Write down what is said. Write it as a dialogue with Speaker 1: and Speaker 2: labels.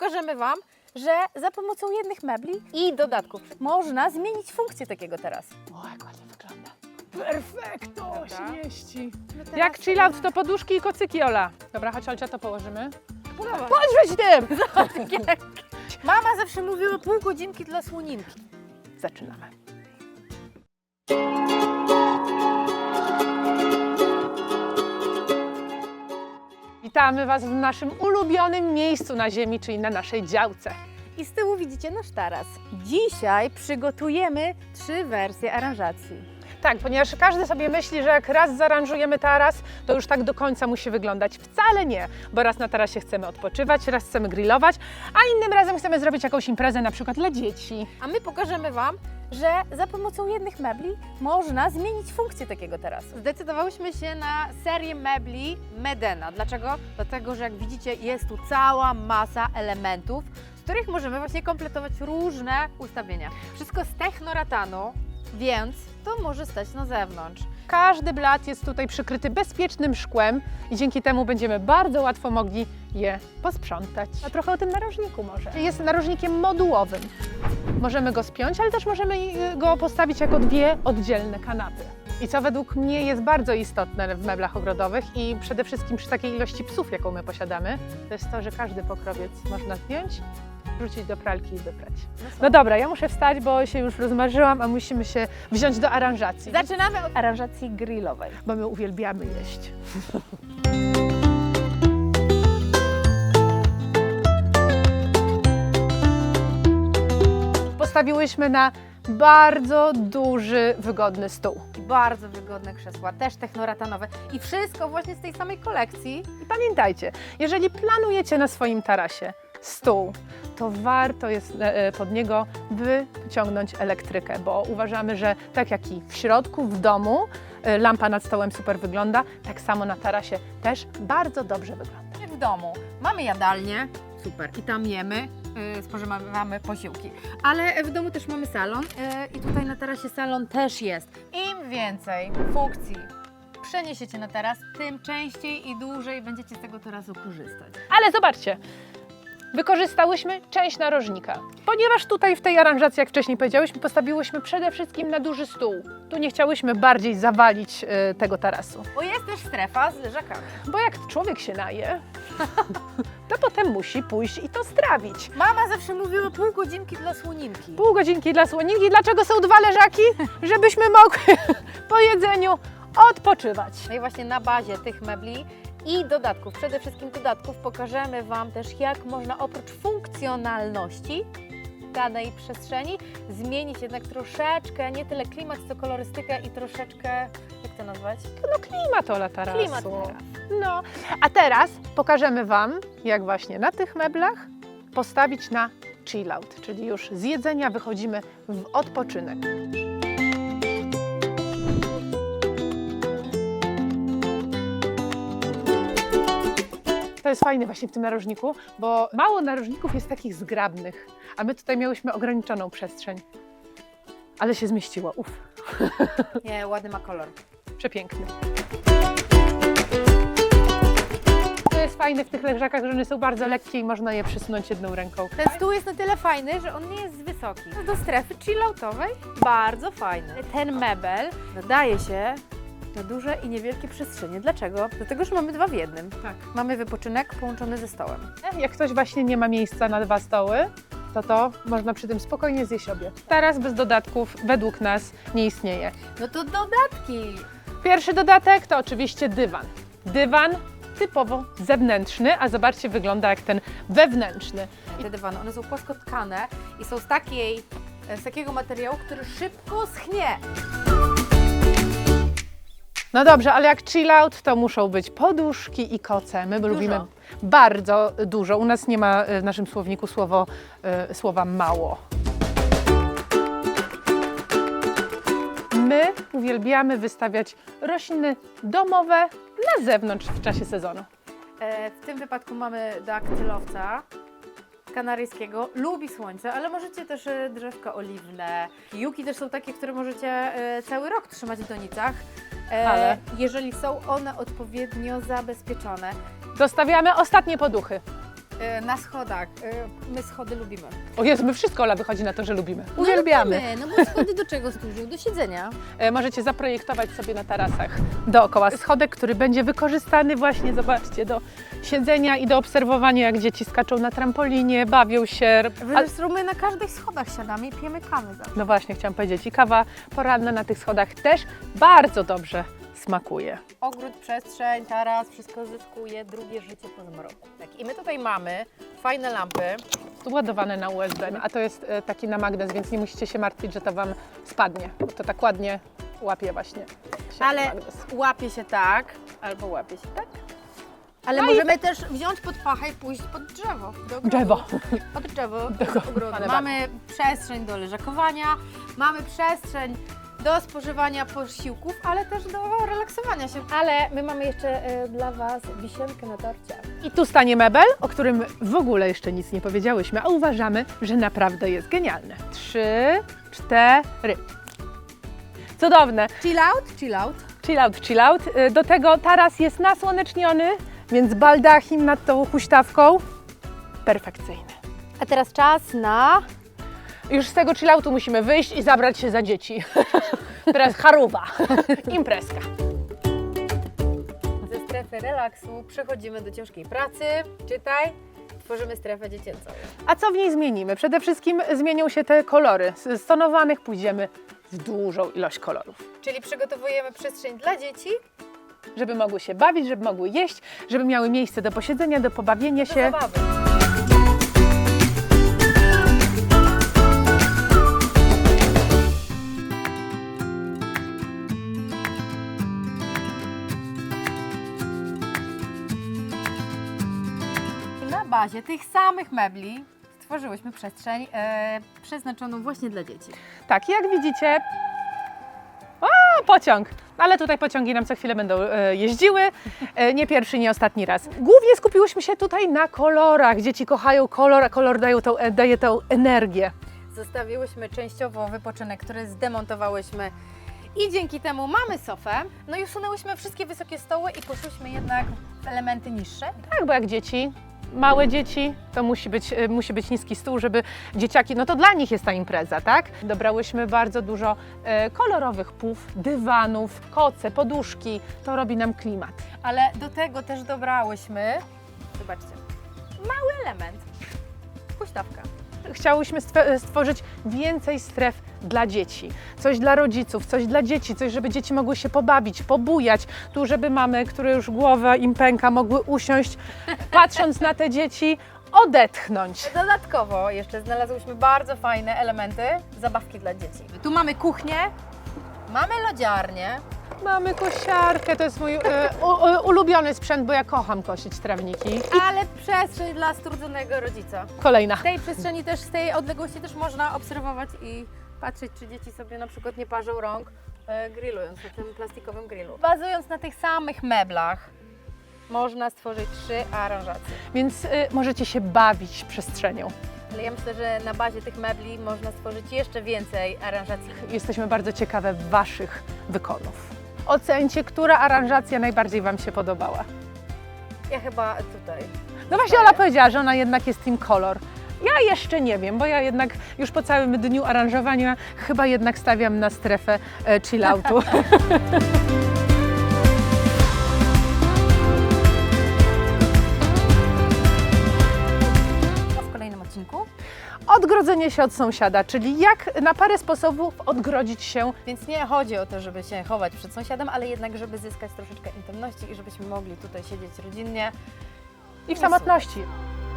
Speaker 1: pokażemy Wam, że za pomocą jednych mebli i dodatków można zmienić funkcję takiego tarasu.
Speaker 2: O, jak ładnie wygląda. Perfekto,
Speaker 1: Dobra.
Speaker 2: się mieści.
Speaker 1: No teraz-
Speaker 2: Jak chill out, to poduszki i kocyki, Ola. Dobra, chodź, Olcia, to położymy.
Speaker 1: Dawaj.
Speaker 2: Podrzuć tym!
Speaker 1: Mama zawsze mówiła pół godzinki dla słoninki.
Speaker 2: Zaczynamy. Witamy Was w naszym ulubionym miejscu na ziemi, czyli na naszej działce.
Speaker 1: I z tyłu widzicie nasz taras. Dzisiaj przygotujemy 3 wersje aranżacji.
Speaker 2: Tak, ponieważ każdy sobie myśli, że jak raz zaaranżujemy taras, to już tak do końca musi wyglądać. Wcale nie, bo raz na tarasie chcemy odpoczywać, raz chcemy grillować, a innym razem chcemy zrobić jakąś imprezę na przykład dla dzieci.
Speaker 1: A my pokażemy Wam, że za pomocą jednych mebli można zmienić funkcję takiego tarasu. Zdecydowałyśmy się na serię mebli Medena. Dlaczego? Dlatego, że jak widzicie, jest tu cała masa elementów, z których możemy właśnie kompletować różne ustawienia. Wszystko z technoratanu, więc to może stać na zewnątrz.
Speaker 2: Każdy blat jest tutaj przykryty bezpiecznym szkłem i dzięki temu będziemy bardzo łatwo mogli je posprzątać. A trochę o tym narożniku może. Jest narożnikiem modułowym. Możemy go spiąć, ale też możemy go postawić jako 2 oddzielne kanapy. I co według mnie jest bardzo istotne w meblach ogrodowych i przede wszystkim przy takiej ilości psów, jaką my posiadamy, to jest to, że każdy pokrowiec można zdjąć, wrzucić do pralki i wyprać. No dobra, ja muszę wstać, bo się już rozmarzyłam, a musimy się wziąć do aranżacji.
Speaker 1: Zaczynamy od aranżacji grillowej.
Speaker 2: Bo my uwielbiamy jeść. Postawiłyśmy na bardzo duży, wygodny stół.
Speaker 1: Bardzo wygodne krzesła, też technoratanowe i wszystko właśnie z tej samej kolekcji.
Speaker 2: I pamiętajcie, jeżeli planujecie na swoim tarasie stół, to warto jest pod niego wyciągnąć elektrykę, bo uważamy, że tak jak i w środku, w domu, lampa nad stołem super wygląda, tak samo na tarasie też bardzo dobrze wygląda.
Speaker 1: Jak w domu mamy jadalnię, super, i tam jemy, spożywamy posiłki, ale w domu też mamy salon i tutaj na tarasie salon też jest. Im więcej funkcji przeniesiecie na taras, tym częściej i dłużej będziecie z tego tarasu korzystać.
Speaker 2: Ale zobaczcie, wykorzystałyśmy część narożnika, ponieważ tutaj w tej aranżacji, jak wcześniej powiedziałyśmy, postawiłyśmy przede wszystkim na duży stół. Tu nie chciałyśmy bardziej zawalić tego tarasu,
Speaker 1: Bo jest też strefa z leżakami.
Speaker 2: bo jak człowiek się naje, to potem musi pójść i to strawić.
Speaker 1: Mama zawsze mówiła pół godzinki dla słoninki.
Speaker 2: Pół godzinki dla słoninki. Dlaczego są 2 leżaki? Żebyśmy mogły po jedzeniu odpoczywać.
Speaker 1: No i właśnie na bazie tych mebli i dodatków, przede wszystkim dodatków, pokażemy Wam też, jak można oprócz funkcjonalności danej przestrzeni zmienić jednak troszeczkę, nie tyle klimat, co kolorystykę i troszeczkę, jak to nazwać?
Speaker 2: No klimat Ola tarasu.
Speaker 1: Klimat tarasu.
Speaker 2: No, a teraz pokażemy Wam, jak właśnie na tych meblach postawić na chill out, czyli już z jedzenia wychodzimy w odpoczynek. To jest fajne właśnie w tym narożniku, bo mało narożników jest takich zgrabnych, a my tutaj miałyśmy ograniczoną przestrzeń. Ale się zmieściło,
Speaker 1: Nie, ładny ma kolor.
Speaker 2: przepiękny. To jest fajne w tych leżakach, że one są bardzo lekkie i można je przesunąć jedną ręką.
Speaker 1: Ten stół jest na tyle fajny, że on nie jest wysoki. Do strefy chilloutowej bardzo fajny. Ten mebel nadaje się na duże i niewielkie przestrzenie. Dlaczego? Dlatego, że mamy 2 w jednym.
Speaker 2: Tak.
Speaker 1: Mamy wypoczynek połączony ze stołem.
Speaker 2: Jak ktoś właśnie nie ma miejsca na 2 stoły, to można przy tym spokojnie zjeść obie. Taras bez dodatków według nas nie istnieje.
Speaker 1: No to dodatki!
Speaker 2: Pierwszy dodatek to oczywiście dywan. Dywan typowo zewnętrzny, a zobaczcie, wygląda jak ten wewnętrzny.
Speaker 1: Te dywany, one są płaskotkane i są z takiego materiału, który szybko schnie.
Speaker 2: No dobrze, ale jak chill out, to muszą być poduszki i koce. My lubimy bardzo dużo. U nas nie ma w naszym słowniku słowa mało. My uwielbiamy wystawiać rośliny domowe na zewnątrz w czasie sezonu.
Speaker 1: W tym wypadku mamy daktylowca kanaryjskiego. Lubi słońce, ale możecie też drzewka oliwne. Juki też są takie, które możecie cały rok trzymać w donicach.
Speaker 2: Ale
Speaker 1: jeżeli są one odpowiednio zabezpieczone.
Speaker 2: dostawiamy ostatnie poduchy.
Speaker 1: na schodach. My schody lubimy.
Speaker 2: O Jezu, my wszystko, Ola, wychodzi na to, że lubimy. Uwielbiamy.
Speaker 1: No bo schody do czego służą? Do siedzenia.
Speaker 2: Możecie zaprojektować sobie na tarasach dookoła schodek, który będzie wykorzystany właśnie, zobaczcie, do siedzenia i do obserwowania, jak dzieci skaczą na trampolinie, bawią się.
Speaker 1: Zresztą my na każdych schodach siadamy i pijemy kawę zawsze.
Speaker 2: No właśnie, chciałam powiedzieć, i kawa poranna na tych schodach też bardzo dobrze smakuje.
Speaker 1: Ogród, przestrzeń, taras, wszystko zyskuje drugie życie po zmroku. Tak. I my tutaj mamy fajne lampy.
Speaker 2: Tu ładowane na USB, a to jest taki na magnes, więc nie musicie się martwić, że to Wam spadnie, bo to tak ładnie łapie właśnie się
Speaker 1: Ale
Speaker 2: magnes.
Speaker 1: łapie się tak, albo łapie się tak. Ale
Speaker 2: No
Speaker 1: możemy też wziąć pod pachę i pójść pod drzewo. Do ogrodu.
Speaker 2: Drzewo.
Speaker 1: Pod drzewo,
Speaker 2: Do
Speaker 1: do ogrodu.
Speaker 2: ale
Speaker 1: Mamy przestrzeń do leżakowania, mamy przestrzeń do spożywania posiłków, ale też do relaksowania się. Ale my mamy jeszcze dla Was wisienkę na torcie.
Speaker 2: I tu stanie mebel, o którym w ogóle jeszcze nic nie powiedziałyśmy, a uważamy, że naprawdę jest genialny. 3, 4. Cudowne.
Speaker 1: Chill out, chill out.
Speaker 2: Chill out, chill out. Do tego taras jest nasłoneczniony, więc baldachim nad tą huśtawką. Perfekcyjny.
Speaker 1: A teraz czas na...
Speaker 2: Już z tego chilloutu musimy wyjść i zabrać się za dzieci. Teraz charuba, imprezka.
Speaker 1: Ze strefy relaksu przechodzimy do ciężkiej pracy. Czytaj, tworzymy strefę dziecięcą.
Speaker 2: A co w niej zmienimy? Przede wszystkim zmienią się te kolory. Z tonowanych pójdziemy w dużą ilość kolorów.
Speaker 1: Czyli przygotowujemy przestrzeń dla dzieci,
Speaker 2: Żeby mogły się bawić, żeby mogły jeść, żeby miały miejsce do posiedzenia, do pobawienia
Speaker 1: do
Speaker 2: się.
Speaker 1: zabawy. Na bazie tych samych mebli stworzyłyśmy przestrzeń przeznaczoną właśnie dla dzieci.
Speaker 2: Tak, jak widzicie, o, pociąg. Ale tutaj pociągi nam co chwilę będą jeździły, nie pierwszy, nie ostatni raz. Głównie skupiłyśmy się tutaj na kolorach. Dzieci kochają kolor, a kolor daje tą energię.
Speaker 1: Zostawiłyśmy częściowo wypoczynek, który zdemontowałyśmy i dzięki temu mamy sofę. No i usunęłyśmy wszystkie wysokie stoły i poszłyśmy jednak w elementy niższe.
Speaker 2: Tak, bo jak dzieci, małe dzieci, to musi być niski stół, żeby dzieciaki, no to dla nich jest ta impreza, tak? Dobrałyśmy bardzo dużo kolorowych pów, dywanów, koce, poduszki. To robi nam klimat.
Speaker 1: Ale do tego też dobrałyśmy, zobaczcie, mały element, huśtawka.
Speaker 2: Chciałyśmy stworzyć więcej stref dla dzieci. Coś dla rodziców, coś dla dzieci, coś, żeby dzieci mogły się pobawić, pobujać. Tu, żeby mamy, które już głowa im pęka, mogły usiąść, patrząc na te dzieci, odetchnąć.
Speaker 1: Dodatkowo jeszcze znalazłyśmy bardzo fajne elementy, zabawki dla dzieci. Tu mamy kuchnię, mamy lodziarnię.
Speaker 2: Mamy kosiarkę, to jest mój ulubiony sprzęt, bo ja kocham kosić trawniki.
Speaker 1: Ale przestrzeń dla strudzonego rodzica.
Speaker 2: Kolejna.
Speaker 1: W tej przestrzeni też, z tej odległości też można obserwować i patrzeć, czy dzieci sobie na przykład nie parzą rąk grillując na tym plastikowym grillu. Bazując na tych samych meblach można stworzyć 3 aranżacje.
Speaker 2: Więc możecie się bawić przestrzenią.
Speaker 1: Ale ja myślę, że na bazie tych mebli można stworzyć jeszcze więcej aranżacji.
Speaker 2: Jesteśmy bardzo ciekawe Waszych wykonów. Ocencie, która aranżacja najbardziej Wam się podobała.
Speaker 1: Ja chyba tutaj.
Speaker 2: No właśnie Ola powiedziała, że ona jednak jest team kolor. Ja jeszcze nie wiem, bo ja jednak już po całym dniu aranżowania chyba jednak stawiam na strefę chilloutu.
Speaker 1: W kolejnym odcinku.
Speaker 2: Odgrodzenie się od sąsiada, czyli jak na parę sposobów odgrodzić się.
Speaker 1: Więc nie chodzi o to, żeby się chować przed sąsiadem, ale jednak, żeby zyskać troszeczkę intymności i żebyśmy mogli tutaj siedzieć rodzinnie.
Speaker 2: I w samotności.